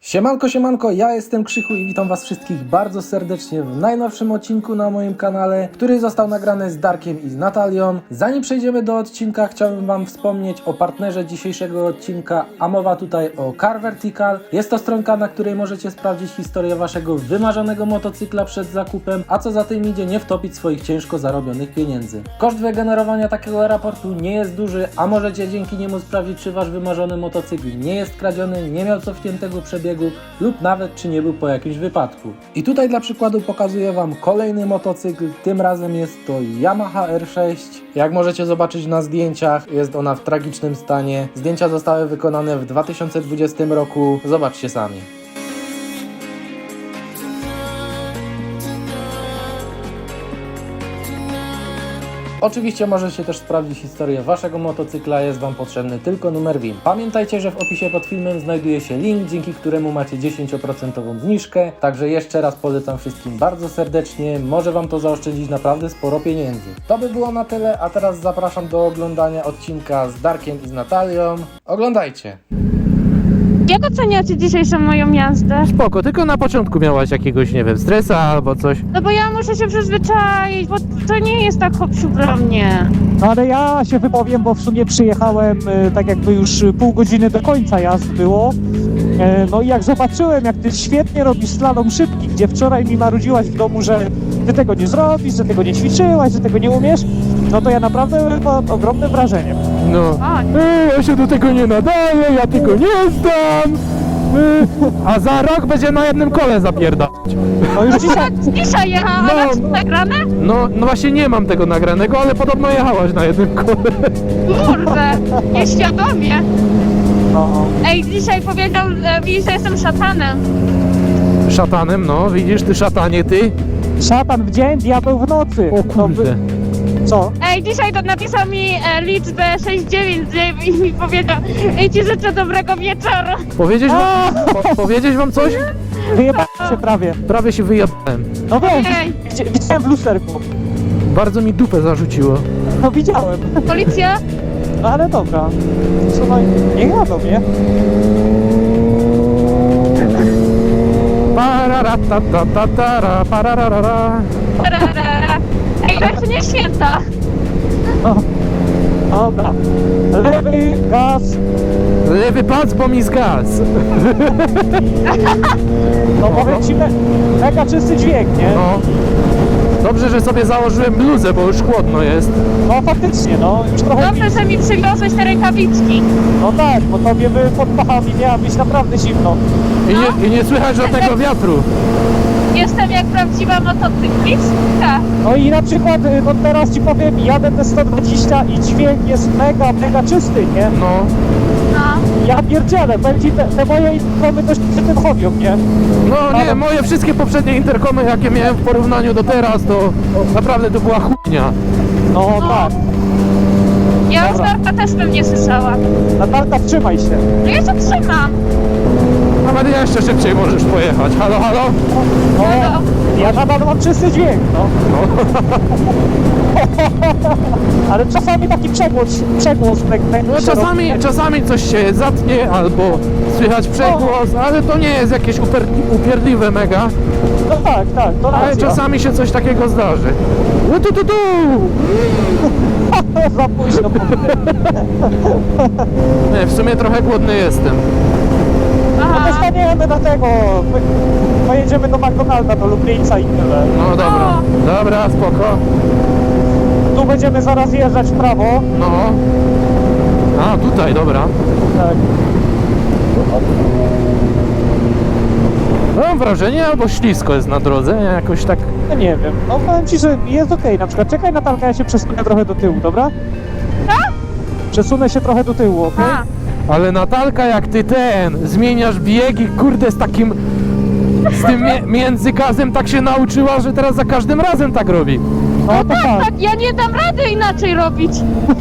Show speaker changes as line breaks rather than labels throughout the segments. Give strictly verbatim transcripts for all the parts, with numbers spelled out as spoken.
Siemanko, siemanko, ja jestem Krzychu i witam was wszystkich bardzo serdecznie w najnowszym odcinku na moim kanale, który został nagrany z Darkiem i z Natalią. Zanim przejdziemy do odcinka, chciałbym wam wspomnieć o partnerze dzisiejszego odcinka, a mowa tutaj o Car Vertical. Jest to stronka, na której możecie sprawdzić historię waszego wymarzonego motocykla przed zakupem, a co za tym idzie, nie wtopić swoich ciężko zarobionych pieniędzy. Koszt wygenerowania takiego raportu nie jest duży, a możecie dzięki niemu sprawdzić, czy wasz wymarzony motocykl nie jest kradziony, nie miał cofniętego przebiegu lub nawet czy nie był po jakimś wypadku. I tutaj dla przykładu pokazuję wam kolejny motocykl, tym razem jest to Yamaha R sześć. Jak możecie zobaczyć na zdjęciach, jest ona w tragicznym stanie. Zdjęcia zostały wykonane w dwa tysiące dwudziestym roku, zobaczcie sami. Oczywiście możecie też sprawdzić historię waszego motocykla, jest wam potrzebny tylko numer V I N. Pamiętajcie, że w opisie pod filmem znajduje się link, dzięki któremu macie dziesięć procent zniżkę, także jeszcze raz polecam wszystkim bardzo serdecznie, może wam to zaoszczędzić naprawdę sporo pieniędzy. To by było na tyle, a teraz zapraszam do oglądania odcinka z Darkiem i z Natalią. Oglądajcie!
Jak oceniacie dzisiejszą moją jazdę?
Spoko, tylko na początku miałaś jakiegoś, nie wiem, stresa albo coś.
No bo ja muszę się przyzwyczaić, bo to nie jest tak hopsiu dla mnie.
No ale ja się wypowiem, bo w sumie przyjechałem e, tak jakby już pół godziny do końca jazd było. E, no i jak zobaczyłem, jak ty świetnie robisz slalom szybki, gdzie wczoraj mi marudziłaś w domu, że ty tego nie zrobisz, że tego nie ćwiczyłaś, że tego nie umiesz, no to ja naprawdę mam ogromne wrażenie.
No.
A,
Ej, ja się do tego nie nadaję, ja tego nie zdam. Ej, a za rok będzie na jednym kole zapierdać.
No już dzisiaj,
akurat dzisiaj jechałam,
No,
a masz to nagrane?
No, no właśnie nie mam tego nagranego, ale podobno jechałaś na jednym kole.
Kurde, nieświadomie.
no,
Ej, dzisiaj powiedział e, mi, że jestem szatanem.
Szatanem, no, widzisz, ty szatanie, ty.
szatan w dzień, diabeł w nocy.
O
No,
kurde.
co?
Ej, dzisiaj to napisał mi e, liczbę sześć dziewięć i mi powiedział: ej, ci życzę dobrego wieczoru.
Powiedzieć wam, po, powiedzieć wam coś?
Wyjebałem się prawie.
Prawie się wyjebałem.
No wiem,
Ej,
widzi- widziałem w lusterku.
Bardzo mi dupę zarzuciło.
No widziałem.
policja?
No ale dobra. Słuchaj, niech jadą, nie?
Pararatatatara, pararara.
Tarara. Ej, to nie święta.
No. Dobra. Lewy gaz.
Lewy pas, bo mi zgasł.
No powiem ci, me, mega czysty dźwięk, nie?
No. Dobrze, że sobie założyłem bluzę, bo już chłodno jest.
No faktycznie, no już trochę...
Dobrze, że mi przywiozłeś te rękawiczki.
No tak, bo tobie by pod pachami miała być naprawdę zimno.
I nie, i nie słychać żadnego wiatru.
Jestem jak prawdziwa motocyklistka.
No i na przykład, y, no teraz ci powiem, jadę te sto dwadzieścia i dźwięk jest mega, mega czysty, nie?
No.
No.
Ja pierdzielę, powiem ci, te, te moje intromy dość przy tym chowią, nie?
No nie,
Ale-
moje wszystkie poprzednie interkomy, jakie miałem w porównaniu do teraz, to naprawdę to była chujnia.
No tak.
Ja już
Dobra.
Darka też bym nie słyszała.
Natalka, wstrzymaj się.
No ja się trzymam.
Nawet jeszcze szybciej możesz pojechać. Halo, halo?
No,
Halo?
ja nadal mam czysty dźwięk, no. Ale czasami taki przegłos, przegłos tak, tak
No
się
czasami,
robi.
czasami coś się zatnie albo słychać przegłos, ale to nie jest jakieś uper, upierdliwe mega.
No tak, tak, to
Ale
racja.
czasami się coś takiego zdarzy. No tu, tu, tu.
Za późno powiedziałem.
Nie, w sumie trochę głodny jestem.
No
Aha.
dostaniemy do tego. My- Pojedziemy do McDonalda, do Lublińca i tyle.
No dobra, dobra, spoko.
Tu będziemy zaraz jeżdżać w prawo.
No. A, tutaj, dobra.
Tak.
Mam wrażenie, albo ślisko jest na drodze, jakoś tak.
No nie wiem. No powiem ci, że jest okej. Na przykład czekaj, Natalka, ja się przesunę trochę do tyłu, dobra?
Co?
Przesunę się trochę do tyłu, okej?
A,
Ale Natalka, jak ty ten, zmieniasz biegi, kurde, z takim, z tym mie- międzygazem tak się nauczyła, że teraz za każdym razem tak robi.
No to tak.
tak, ja nie dam rady inaczej robić.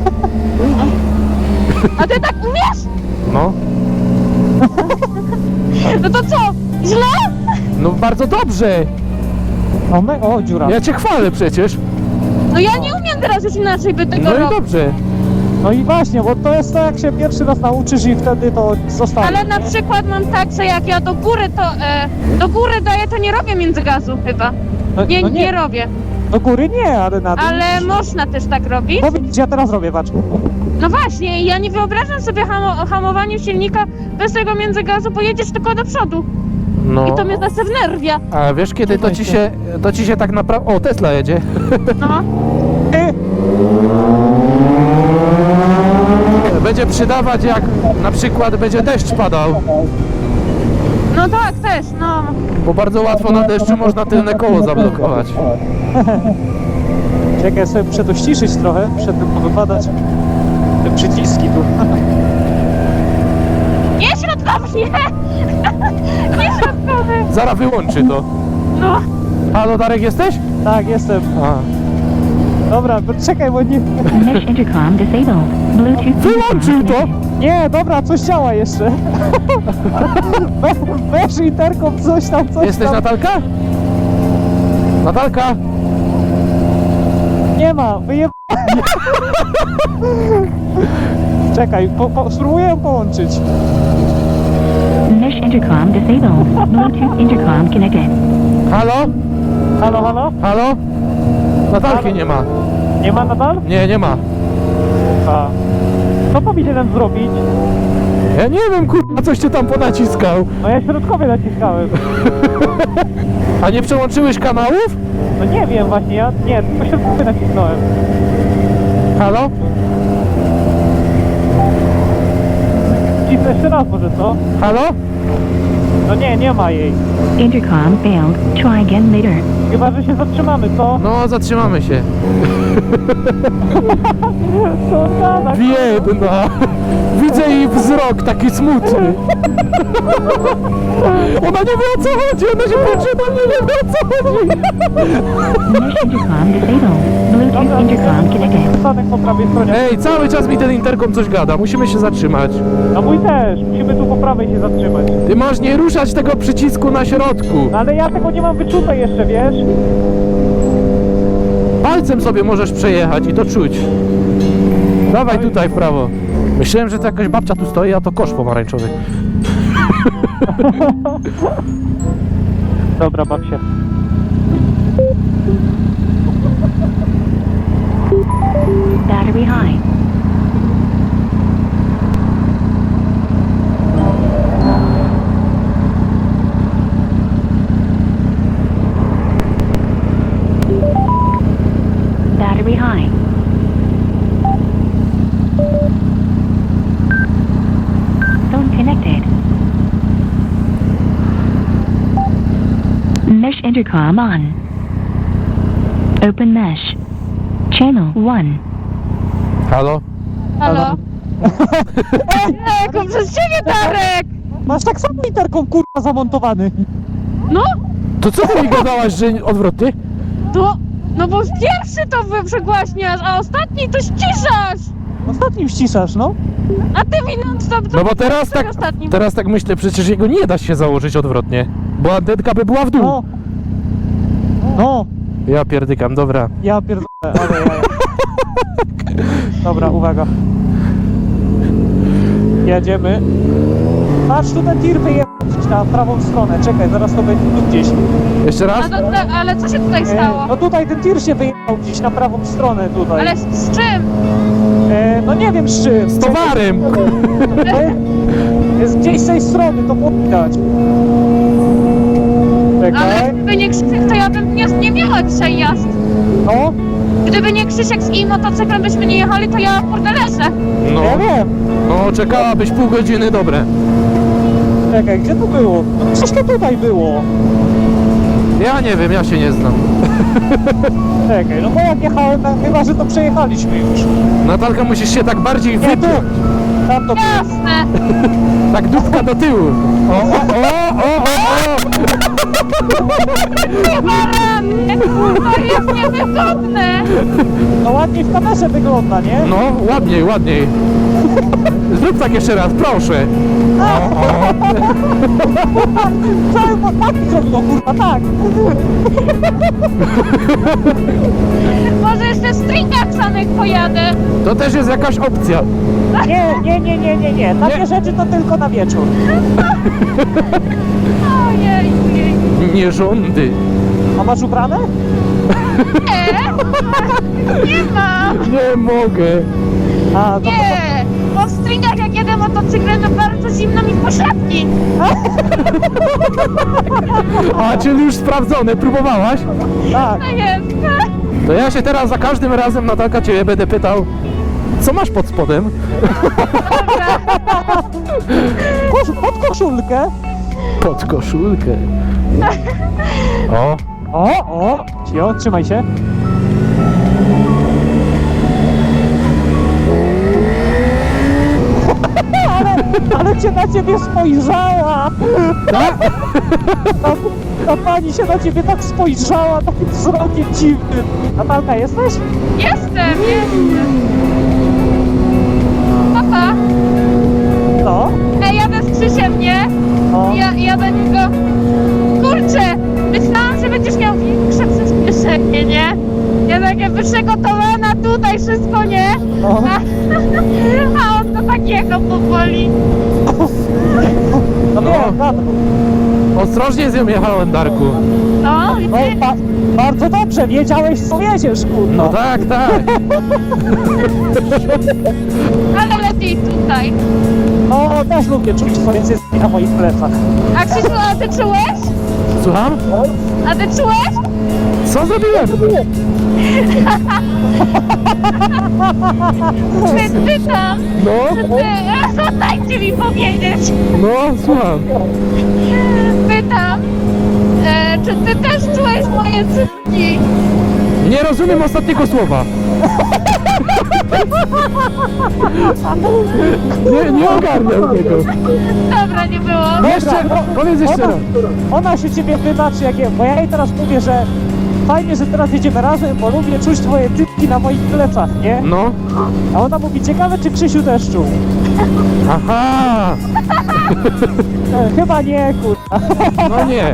A ty tak umiesz?
No,
No to co? Źle?
no bardzo dobrze.
O, my, o dziura.
Ja cię chwalę przecież.
No ja nie umiem teraz już inaczej by tego
No i
robić.
dobrze.
No i właśnie, bo to jest to, jak się pierwszy raz nauczysz i wtedy to zostanie.
Ale na przykład mam tak, że jak ja do góry to, e, do góry daję, to nie robię międzygazu chyba.
No,
Nie,
no
nie robię.
Do góry nie, ale na dół.
Ale można też tak robić.
Bo widzisz, ja teraz robię, patrz.
No właśnie, ja nie wyobrażam sobie hamo hamowania silnika bez tego międzygazu, bo jedziesz tylko do przodu.
No.
I to mnie zase wnerwia.
A wiesz kiedy to ci się, to ci się tak naprawdę... O, Tesla jedzie.
No.
Ty,
Będzie przydawać jak na przykład będzie deszcz padał.
No tak, też, no.
Bo bardzo łatwo na deszczu można tylne koło zablokować.
czekaj, sobie przedościszyć trochę, przed tym powypadać. Te przyciski tu.
Nie środkowy, nie! Nie środkowy!
Zaraz wyłączy to.
No.
Halo, Darek, jesteś?
Tak, jestem.
A.
Dobra, bo czekaj, bo nie...
Mesh intercom disabled. Bluetooth
Wyłączył to!
Nie, dobra, coś działa jeszcze. Weź interkom, coś tam, coś
Jesteś
tam.
Natalka? Natalka?
Nie ma, wyjeb... Czekaj, po, po, spróbuję ją połączyć.
Mesh intercom disabled. Bluetooth intercom connected.
Halo?
Halo, halo?
Halo? Natalki nie ma.
Nie ma nadal?
Nie, nie ma.
A. Co powinienem zrobić?
Ja nie wiem, kurwa, coś ty tam ponaciskał.
No ja środkowy naciskałem.
A nie przełączyłeś kanałów?
No nie wiem właśnie, ja nie, tylko środkowy nacisnąłem.
Halo?
Cisnę jeszcze raz może, co?
Halo?
No nie, nie ma jej.
Intercom failed. Try again later.
Chyba, że się zatrzymamy, co?
No, zatrzymamy się.
Co gada?
Biedna. Widzę jej wzrok taki smutny. Ona nie wie o co chodzi, ona się patrzy na mnie, nie wie o co chodzi.
Mesh intercom disabled. Bluetooth intercom connected.
Stanek po prawej stronie.
Ej, cały czas mi ten interkom coś gada, musimy się zatrzymać.
A mój też, musimy tu po prawej się zatrzymać.
Ty masz nie ruszać tego przycisku na środku.
No ale ja tego nie mam wyczute jeszcze, wiesz?
Palcem sobie możesz przejechać i to czuć. Dawaj tutaj w prawo. Myślałem, że to jakaś babcia tu stoi, a to kosz pomarańczowy.
Dobra, baw się.
Battery high. Battery high. Phone connected. Mesh intercom on. Open mesh. Channel one.
Halo?
Halo? Ejku, przez ciebie, Darek!
Masz tak samo interkom, kurwa, zamontowany.
No,
To co ty mi gadałaś, że odwrotnie?
to... No bo pierwszy to wy przegłaśniasz, a ostatni to ściszasz!
Ostatnim ściszasz, no.
A ty mi non-stop...
No bo teraz tak,
Ostatnim.
teraz tak myślę, przecież jego nie da się założyć odwrotnie. Bo antenka by była w dół.
No. No.
Ja pierdykam, dobra.
Ja pierdolę, ale ja... Dobra, uwaga. Jedziemy. Patrz, tu ten tir wyjechał na prawą stronę. Czekaj, zaraz to będzie tu gdzieś.
Jeszcze
A
raz?
to, to, ale co się tutaj
E,
stało?
no tutaj ten tir się wyjechał gdzieś na prawą stronę tutaj.
Ale z, z czym?
E, no nie wiem z czym.
Z towarem!
E, Jest gdzieś z tej strony, to było widać.
Ale
Czekaj.
gdyby nie Krzysiek, to ja bym nie, nie miała dzisiaj jazd.
No,
Gdyby nie Krzysiek z im motocyklem byśmy nie jechali, to ja kurde leżę.
No,
ja wiem.
no czekałabyś pół godziny, dobre.
Czekaj, gdzie to było? No przecież to tutaj było.
Ja nie wiem, ja się nie znam.
Czekaj, no bo jak jechałem, to chyba, że to przejechaliśmy już.
Natalka, musisz się tak bardziej
Nie, tu.
wypiąć.
Tam to było.
Jasne.
Tak dupka do tyłu. O, o, o, o, o, o.
Nie barany. To jest niewygodne.
No ładniej w kamerze wygląda, nie?
No, ładniej, ładniej. Zrób tak jeszcze raz, proszę. O, o.
Co? Tak zrobiło, kurwa, tak.
Może jeszcze w stringach samych pojadę.
To też jest jakaś opcja.
Nie, nie, nie, nie, nie, nie. Takie
Nie.
rzeczy to tylko na wieczór.
Ojej, ojej.
Nie rządy.
A masz ubrane?
Nie, nie mam.
Nie mogę. A, to,
Nie, bo w stringach jak jedę motocyklem, to bardzo zimno mi w pośladki.
A, czyli już sprawdzone, próbowałaś?
to, tak.
To jest.
To ja się teraz za każdym razem, Natalka, ciebie będę pytał, co masz pod spodem?
Kosz, pod koszulkę.
Pod koszulkę. O,
O, o. Cio, trzymaj się. Ale, ale cię na ciebie spojrzała. Ta, ta pani się na ciebie tak spojrzała, takim wzrokiem dziwnym. Natalka, jesteś?
Jestem, jestem. Papa,
No.
ej, jadę z Krzysiem, nie?
No.
Ja, ja do niego... Kurczę, myślałam, że będziesz miał większe przyspieszenie, nie? Ja takie przygotowana tutaj, wszystko, nie?
No.
A, a on to takiego powoli.
No,
No.
wiem, tak.
ostrożnie z nią jechałem, Darku.
No,
No, ba bardzo dobrze, wiedziałeś co jedziesz, kurwa.
No tak, tak.
ale lepiej tutaj.
No, też lubię czuć twoje cycki na moich plecach.
A Krzysiu, a ty czułeś?
Słucham?
A ty czułeś?
Co zrobiłem?
Czy ty tam?
No,
Czy ty? Dajcie mi powiedzieć.
no, słucham.
Pytam, e, czy ty też czułeś moje cycki?
Nie rozumiem ostatniego słowa. Nie, nie ogarniam tego.
Dobra, nie było.
Jeszcze,
Dobra,
powiedz jeszcze
ona,
raz.
ona się ciebie wybaczy, jak je, bo ja jej teraz mówię, że fajnie, że teraz jedziemy razem, bo lubię czuć twoje typki na moich plecach, nie?
No,
A ona mówi, ciekawe czy Krzysiu też czuł.
aha,
E, chyba nie, kurwa.
no nie.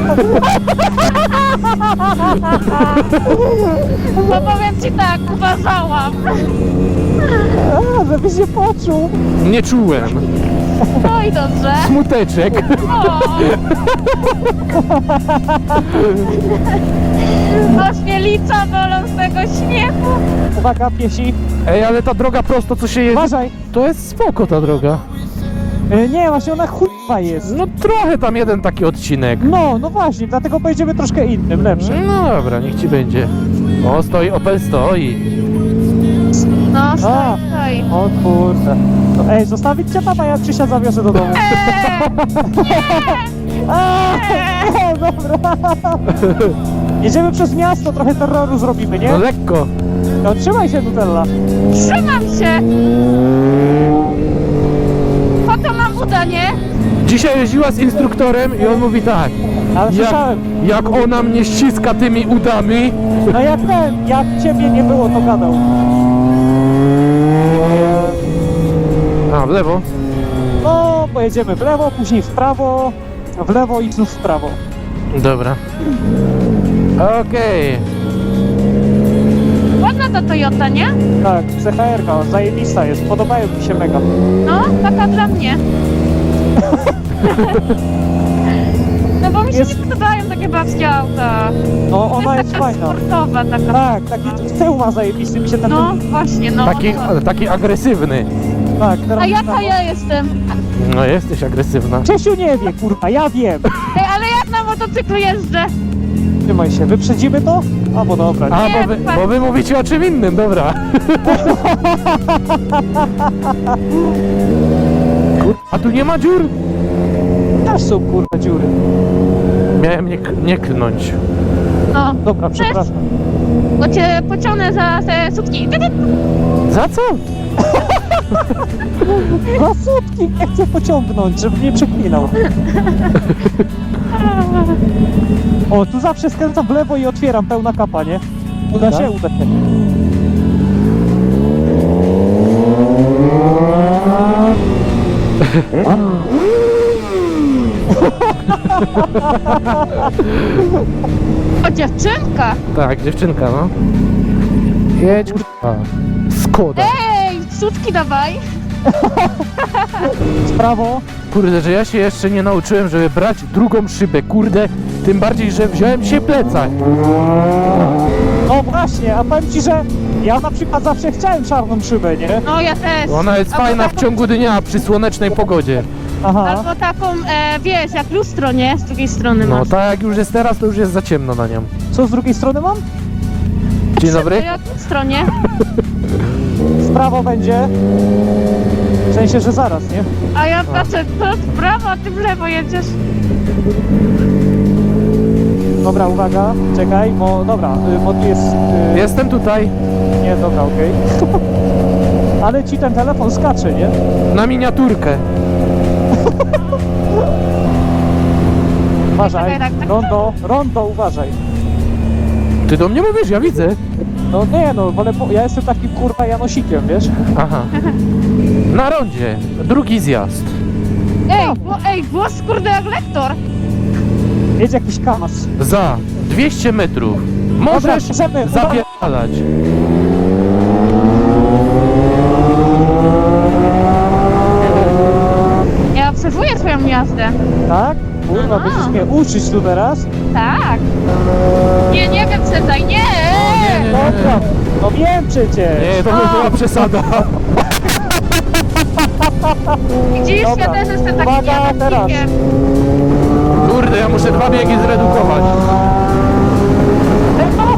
Bo powiem ci tak, uważałam.
A, żeby się poczuł.
Nie czułem.
No i dobrze.
Smuteczek.
O. Ośmielica bolą z tego śmiechu.
Uwaga, piesi.
Ej, ale ta droga prosto, co się jedzie,
Uważaj.
to jest spoko ta droga.
E, nie, właśnie ona chujowa jest.
No trochę tam jeden taki odcinek.
No, no właśnie, dlatego pojedziemy troszkę innym, lepszym.
No dobra, niech ci będzie. O, stoi, Opel stoi.
No,
A.
stoi, stoi.
O kurde. No, ej, zostawić cię tam, a ja Krzysia zawiozę do domu.
Eee,
A, no, dobra. Jedziemy przez miasto, trochę terroru zrobimy, nie?
No lekko.
No trzymaj się, Nutella.
trzymam się. Po to mam uda, nie?
Dzisiaj jeździła z instruktorem i on mówi tak.
Ale
Jak,
słyszałem.
jak ona mnie ściska tymi udami.
No jak ten, jak ciebie nie było, to gadał.
A, w lewo.
No, pojedziemy w lewo, później w prawo, w lewo i znów w prawo.
Dobra. Okej.
Ładna ta Toyota, nie?
Tak, C H R-ka, zajebista jest, podobają mi się mega.
No, taka dla mnie. No bo mi się
Jest-
nie podobają takie babskie auta.
No,
To
ona
jest
jest
taka
fajna.
sportowa, taka.
Tak, taki tył ma zajebisty, mi się ten...
No, właśnie, no.
Taki, ale taki agresywny.
Tak, teraz...
A jaka ja jestem?
No jesteś agresywna.
Czesiu nie wie, kurwa, ja wiem.
Ej, ale jak na motocyklu jeżdżę?
Trzymaj się, wyprzedzimy to? A, bo dobra.
A,
Nie,
bo wy,
pan-
bo wy mówicie o czym innym, dobra. Kur- A tu nie ma dziur?
Też są, kurwa, dziury.
Miałem nie, k- nie klnąć.
No,
Dobra, przepraszam.
bo cię pociągnę za te sutki. Ty, ty.
Za co?
Dwa sutki nie chcę pociągnąć, żeby nie przeklinał. O, tu zawsze skręcam w lewo i otwieram, pełna kapa, nie? Uda się,
Tak?
uda się.
O, dziewczynka!
Tak, dziewczynka, no. Jedź, kurwa. Skoda.
Ej, sutki dawaj!
W prawo.
Kurde, że ja się jeszcze nie nauczyłem, żeby brać drugą szybę, kurde. Tym bardziej, że wziąłem dzisiaj plecak.
No właśnie, a powiem ci, że ja na przykład zawsze chciałem czarną szybę, nie?
No ja też.
Ona jest
Albo
fajna w
taką-
ciągu dnia przy słonecznej pogodzie.
Aha.
Albo taką, e, wiesz, jak lustro, nie? Z drugiej strony
No
masz.
tak jak już jest teraz, to już jest za ciemno na nią.
Co z drugiej strony mam?
Dzień dobry.
Jak lustro, nie?
W prawo będzie. W sensie, że zaraz, nie?
A ja patrzę, to w prawo, a ty w lewo jedziesz.
Dobra, uwaga, czekaj, bo dobra, y, bo tu jest... Y,
Jestem tutaj,
Nie, dobra, okej. Ale ci ten telefon skacze, nie?
na miniaturkę.
Uważaj,
Tak, tak, tak.
rondo, rondo, uważaj.
Ty do mnie mówisz, ja widzę.
No nie no, wolę, po- ja jestem takim kurwa Janosikiem, wiesz?
Aha. Na rondzie, drugi zjazd.
Ej, bo, ej, głos kurde jak lektor.
Jest jakiś kamas.
Za dwieście metrów.
Dobra,
Możesz
możemy,
zapierdalać.
Ja obserwuję twoją jazdę.
Tak? Kurwa,
Aha.
będziesz mnie uczyć tu teraz?
Tak. Nie, nie wiem, Cezaj, nie!
nie, nie.
Dobra, no wiem przecież.
Nie, to by była przesada.
Widzisz,
Dobra.
ja też jestem takim
Uwaga, teraz.
Janosikiem.
Kurde, ja muszę dwa biegi zredukować.
Tylko?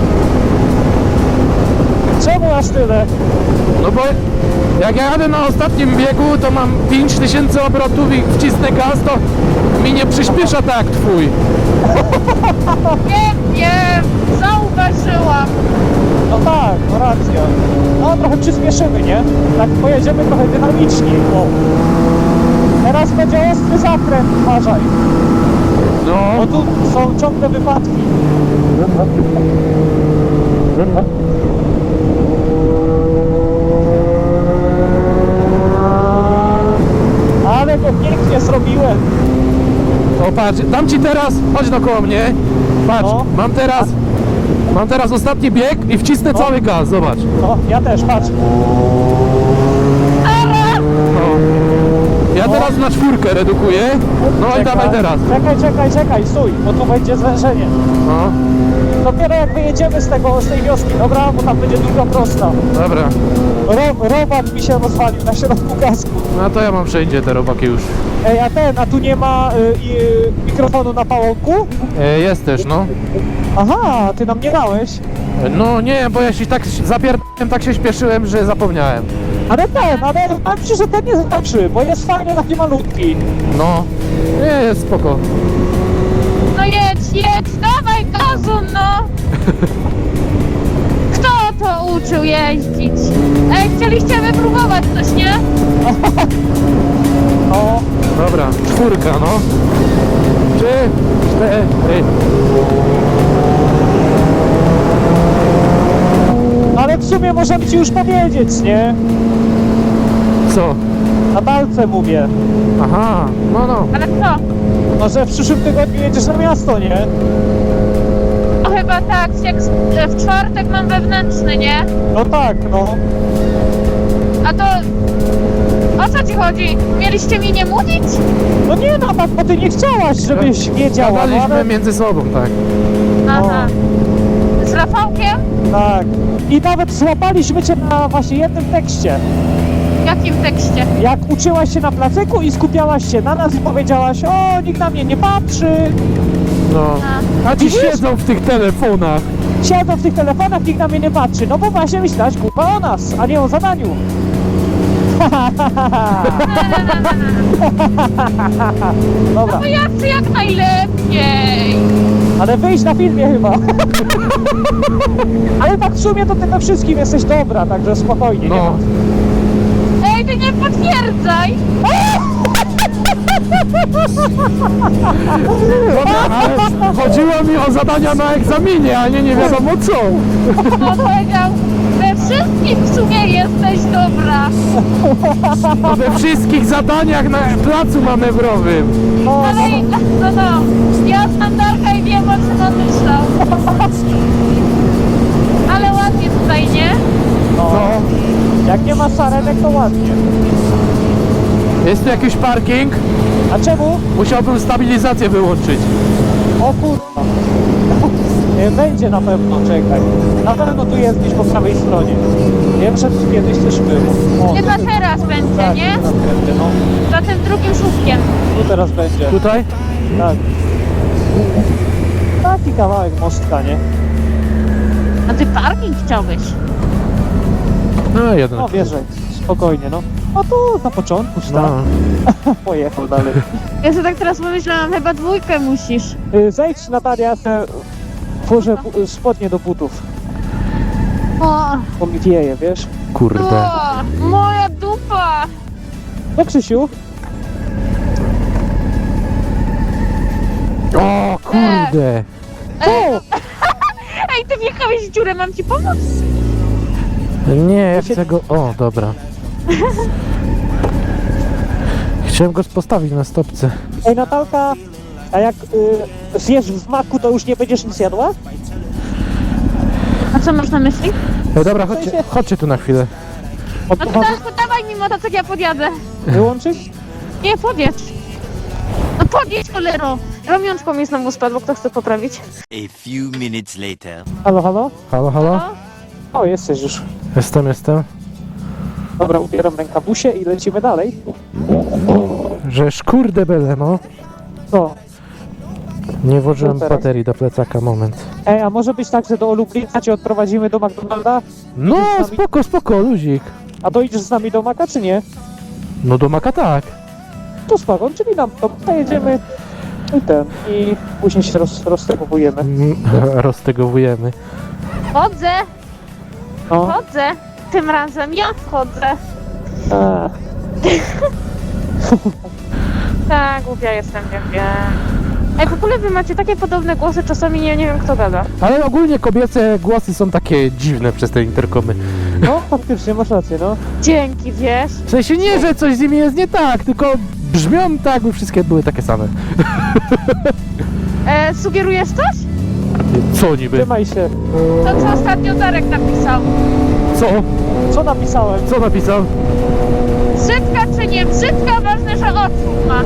Czemu aż tyle?
No bo jak ja jadę na ostatnim biegu, to mam pięć tysięcy obrotów i wcisnę gaz, to mi nie przyspiesza tak jak twój.
Wiem, wiem, zauważyłam.
No tak, no racja. No trochę przyspieszymy, nie? Tak pojedziemy trochę dynamiczniej. O. Teraz będzie ostry zakręt, uważaj.
No,
Bo tu są ciągle wypadki. Ale go pięknie zrobiłem.
o patrz, dam ci teraz, chodź dookoła mnie. Patrz,
No.
mam teraz, mam teraz ostatni bieg i wcisnę cały gaz, zobacz.
No, ja też, patrz.
No. Ja teraz na czwórkę redukuję. No i
Czekaj,
dawaj teraz.
Czekaj, czekaj, czekaj, stój, bo tu będzie zwężenie.
No,
Dopiero jak wyjedziemy z tego, z tej wioski, dobra? Bo tam będzie druga prosta.
dobra.
Ro, robak mi się rozwalił na środku kasku.
No to ja mam wszędzie te robaki już.
Ej, a ten, a tu nie ma y, y, mikrofonu na pałąku?
E, jest też, no.
Aha, ty nam nie dałeś.
No nie, bo ja się tak zapierdałem, tak się śpieszyłem, że zapomniałem.
Ale ten, ale powiem ci, że ten jest lepszy, bo jest fajnie taki malutki.
No, nie, jest spoko.
No jedź, jedź, dawaj gazu, no! Kto to uczył jeździć? Ej, chcieliście wypróbować coś, nie?
No,
Dobra, czwórka, no. Trzy, cztery.
ale w sumie możemy ci już powiedzieć, nie?
Co?
Na palce mówię.
Aha, no, no.
Ale co?
No, że w przyszłym tygodniu jedziesz na miasto, nie?
No chyba tak, jak z- w czwartek mam wewnętrzny, nie?
No tak, no.
A to... O co ci chodzi? Mieliście mi nie mówić?
No nie no, tak, bo ty nie chciałaś, żebyś wiedziała, no
Gadaliśmy
ale...
między sobą, tak.
Aha. Z Rafałkiem?
Tak. I nawet złapaliśmy cię na właśnie jednym tekście.
W jakim tekście?
Jak uczyłaś się na placyku i skupiałaś się na nas i powiedziałaś, o, nikt na mnie nie patrzy,
No.
A.
A ci
Widzisz?
siedzą w tych telefonach.
siedzą w tych telefonach, nikt na mnie nie patrzy. No bo właśnie myślałaś, kurwa, o nas, a nie o zadaniu. Dobra,
No ja chcę jak najlepiej.
ale wyjść na filmie chyba. Ale tak w sumie to ty we wszystkim jesteś dobra, także spokojnie. Nie
No.
ma.
Ej, ty nie potwierdzaj.
Ale chodziło mi o zadania na egzaminie, a nie nie wiadomo co.
On powiedział, we wszystkim w sumie jesteś dobra.
No we wszystkich zadaniach na placu manewrowym.
O,
Ale no no, ja znam Darka i wiem, o czym on myślał. Ale ładnie tutaj, nie?
no. Jak nie ma sarenek, to ładnie.
Jest tu jakiś parking?
A czemu?
Musiałbym stabilizację wyłączyć.
O kurwa. Nie, będzie na pewno, czekaj. Na pewno tu jest gdzieś po prawej stronie. Wiem, że tu kiedyś też było. O,
Chyba
tu-
teraz będzie,
tak,
nie?
teraz będzie, no.
Za tym drugim szufkiem.
Tu teraz będzie.
Tutaj?
Tak. Taki kawałek mostka, nie?
A ty parking chciałbyś?
No jeden.
No wierzę, spokojnie, no. A tu na początku
No.
stał. Pojechał dalej.
Ja sobie tak teraz pomyślałam, chyba dwójkę musisz.
Y, Zejdź, Natalia, te włożę bu- spodnie do butów.
O,
Bo mi wieje, wiesz?
Kurde.
o, moja dupa!
No Krzysiu,
O kurde.
Ej, ej, ty wjechałeś w dziurę, mam ci pomóc?
Nie, ja chcę go... O, dobra. Chciałem go postawić na stopce.
ej Natalka, a jak y, zjesz w maku, to już nie będziesz nic jadła?
A co masz na myśli?
E, dobra, chodźcie, chodźcie tu na chwilę.
No to,
Odpływa
da, to dawaj mi motocykl, ja podjadę.
wyłączyć?
Nie, podjedź. No podjedź, cholero. Ramionczko mi znowu spadło, kto chce poprawić?
A few minutes later.
Halo, halo?
Halo, halo?
O,
O, jesteś już.
Jestem, jestem.
Dobra, ubieram rękabusie i lecimy dalej.
Żeż kurde bele, no.
Co?
Nie włożyłem
Co teraz?
baterii do plecaka, moment.
Ej, a może być tak, że do Lublina cię odprowadzimy do McDonalda?
No,
Idziesz z nami?
spoko, spoko, luzik.
A dojedziesz z nami do Maka, czy nie?
No do Maka tak.
To spoko, czyli nam to pojedziemy i ten, i później się roz, roztegowujemy.
Mm, Roztegowujemy.
chodzę,
No.
chodzę. Tym razem ja wchodzę.
A,
Tak, głupia jestem, wiem, wiem. Ej, w ogóle wy macie takie podobne głosy, czasami nie, nie wiem kto gada.
Ale ogólnie kobiece głosy są takie dziwne przez te interkomy.
no, faktycznie, masz rację, no.
Dzięki, wiesz?
W sensie nie, że coś z nimi jest nie tak, tylko brzmią tak, by wszystkie były takie same.
E, sugerujesz coś?
Co niby?
Trzymaj się.
To co ostatnio Darek napisał.
Co?
Co napisałem?
Co napisał?
Brzydka czy nie brzydka, ważne, że otwór ma.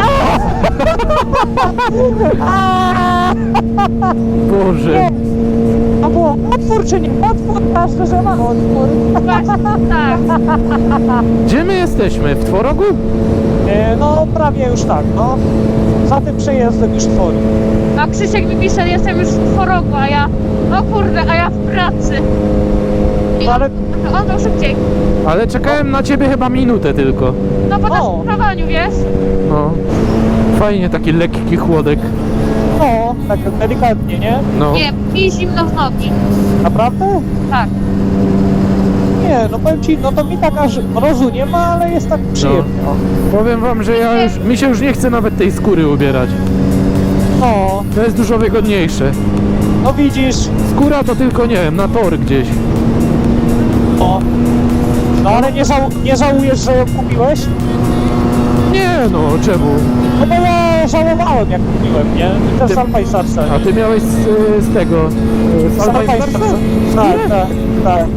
Boże.
A było otwór czy nie? Otwór, ważne, że ma otwór.
Właśnie, tak.
Gdzie my jesteśmy? W Tworogu?
E, no, prawie już tak, no. Za tym przejazdem już tworzy.
A Krzysiek mi pisze, jestem już w Tworogu, a ja... O kurde, a ja w pracy. I
No, ale-
on, on to szybciej.
Ale czekałem na ciebie chyba minutę tylko.
No po
O.
naszym prowadzeniu, wiesz?
No. Fajnie, taki lekki chłodek.
No, tak delikatnie, nie?
No.
Nie, mi zimno w nogi.
Naprawdę?
Tak.
Nie, no powiem ci, no to mi tak aż mrozu nie ma, ale jest tak przyjemnie. No.
Powiem wam, że ja już, mi się już nie chce nawet tej skóry ubierać.
No,
To jest dużo wygodniejsze.
no widzisz,
Skóra to tylko, nie wiem, na tor gdzieś.
no. No ale nie, żał, nie żałujesz, że ją kupiłeś?
Nie no, czemu?
No bo ja żałowałem jak kupiłem, nie? I też
Ty-
z Alpajsarce.
A ty miałeś z, z tego, z Alpajsarsa?
Tak, tak, tak.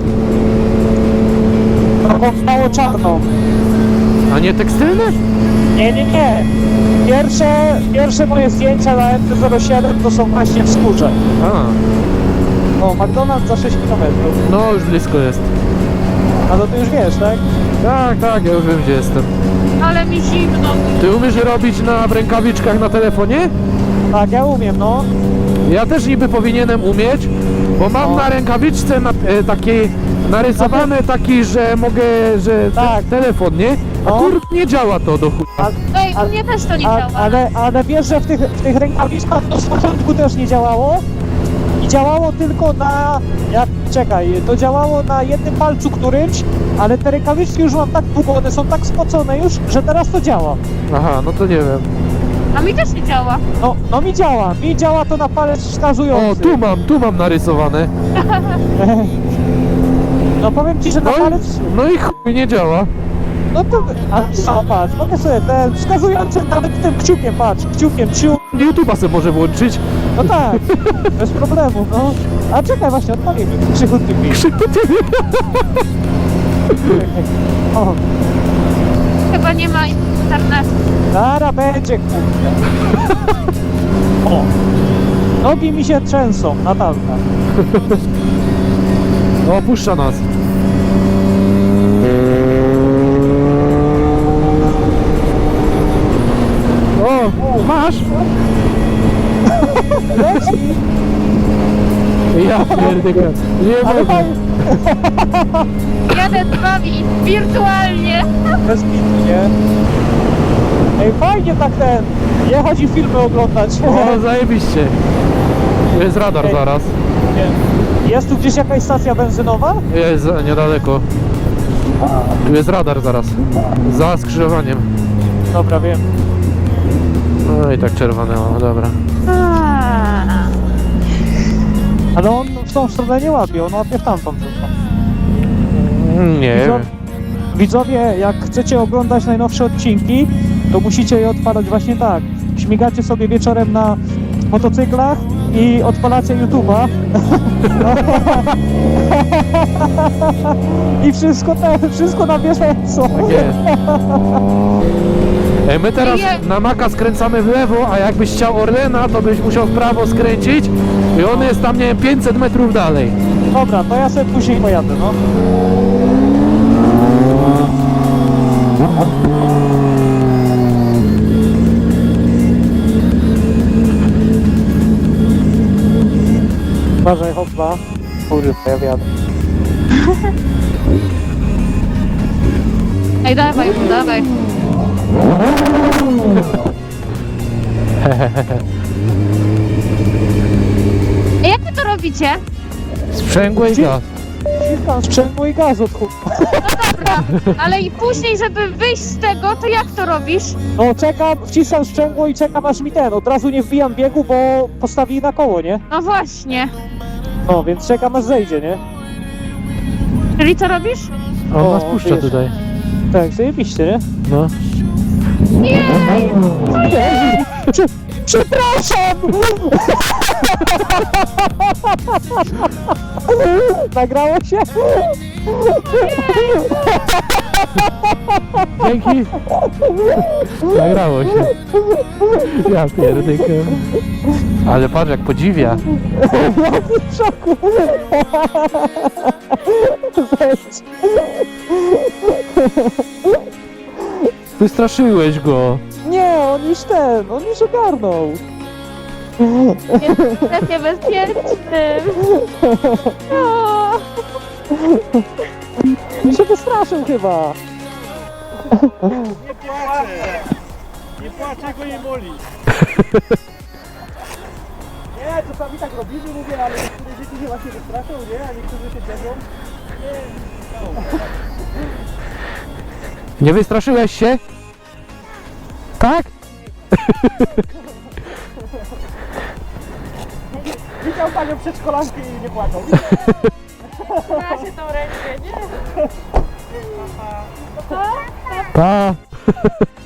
Taką mało czarną.
A nie tekstylne?
Nie, nie, nie. Pierwsze, pierwsze moje zdjęcia na M T zero siedem to są właśnie w skórze.
A,
No, McDonald's za sześć kilometrów.
no już blisko jest.
A to ty już wiesz, tak?
Tak, tak, ja już wiem gdzie jestem.
Ale mi zimno.
Ty umiesz robić na rękawiczkach na telefonie?
Tak, ja umiem, no.
Ja też niby powinienem umieć, bo mam
No.
na rękawiczce na, e, taki narysowany taki, że mogę, że
Tak.
te, telefon, nie? A
No.
kur... nie działa to do chuja.
A,
Ej,
A-
u mnie też to nie
a,
działa.
ale, ale wiesz, że w tych, w tych rękawiczkach to z początku też nie działało? I działało tylko na... Jak, czekaj, to działało na jednym palcu którymś, ale te rękawiczki już mam tak długo, one są tak spocone już, że teraz to działa.
Aha, no to nie wiem.
A mi też nie działa.
No, no mi działa, mi działa to na palec wskazujący.
O, tu mam, tu mam narysowane.
No No powiem ci, że na
No
palec...
i, no i chuj nie działa.
No to... A co, patrz, mogę sobie ten wskazujący nawet tym kciukiem, patrz, kciukiem, kciuk.
YouTube'a sobie może włączyć.
No tak, bez problemu, no. A czekaj, właśnie, odpalimy. Krzychu tymi. O,
Chyba nie ma internetu.
zara będzie, kurde. O. Nogi mi się trzęsą, Natalka.
No opuszcza nas. O, masz?
Leci,
Ja pierdolę. Nie
ale
mogę.
fajnie,
Jeden z wami wirtualnie.
bez bitu, nie? Ej, fajnie tak ten, jechać i filmy oglądać.
O, zajebiście. Tu jest radar
Ej.
zaraz.
Jest tu gdzieś jakaś stacja benzynowa?
Jest za- niedaleko. Tu jest radar zaraz. Za skrzyżowaniem.
Dobra, wiem.
No i tak czerwone, o, dobra.
Ale on w tą stronę nie łapie, on łapie w tamtą tylko.
Mm, Nie
Widzą-
wiem.
Widzowie, jak chcecie oglądać najnowsze odcinki, to musicie je odpalać właśnie tak. Śmigacie sobie wieczorem na motocyklach i odpalacie YouTube'a. I wszystko te, wszystko na bieżąco.
Tak jest. Ej, my teraz
Nie.
na Maka skręcamy w lewo, a jakbyś chciał Orlena, to byś musiał w prawo skręcić i on jest tam, nie wiem, pięćset metrów dalej.
Dobra, to ja sobie później pojadę, no. Uważaj, hopla. Kurde, ja wiadę.
Ej, dawaj, dawaj. Ej, jak wy to robicie?
Sprzęgłe i
Gdzie?
gaz.
Wciskam sprzęgło i gaz od chuj.
Dobra, ale i później, żeby wyjść z tego, to jak to robisz?
No czekam, wciskam sprzęgło i czekam aż mi ten. Od razu nie wbijam biegu, bo postawili na koło, nie?
No właśnie.
No, więc czekam aż zejdzie, nie?
Czyli co robisz?
On
O,
nas puszcza
wiesz.
tutaj.
Tak, zajebiście, nie?
No.
Nie!
Prze przepraszam! Nagrało się?
Dzięki. Nagrało się. Ja pierdykę. Ale patrz jak podziwia.
W szoku! Weź.
Wystraszyłeś go.
Nie, on już ten, on już ogarnął.
Jest w strefie bezpiecznym. O,
On się wystraszył chyba.
Nie płaczę, go nie boli. Nie, czasami tak robimy, mówię, ale niektóre dzieci się właśnie wystraszą, nie? A niektórzy się cieszą.
Nie wystraszyłeś się? Tak?
Widział panią przedszkolankę i nie płaczą.
ma się tą rękę, nie?
Pa.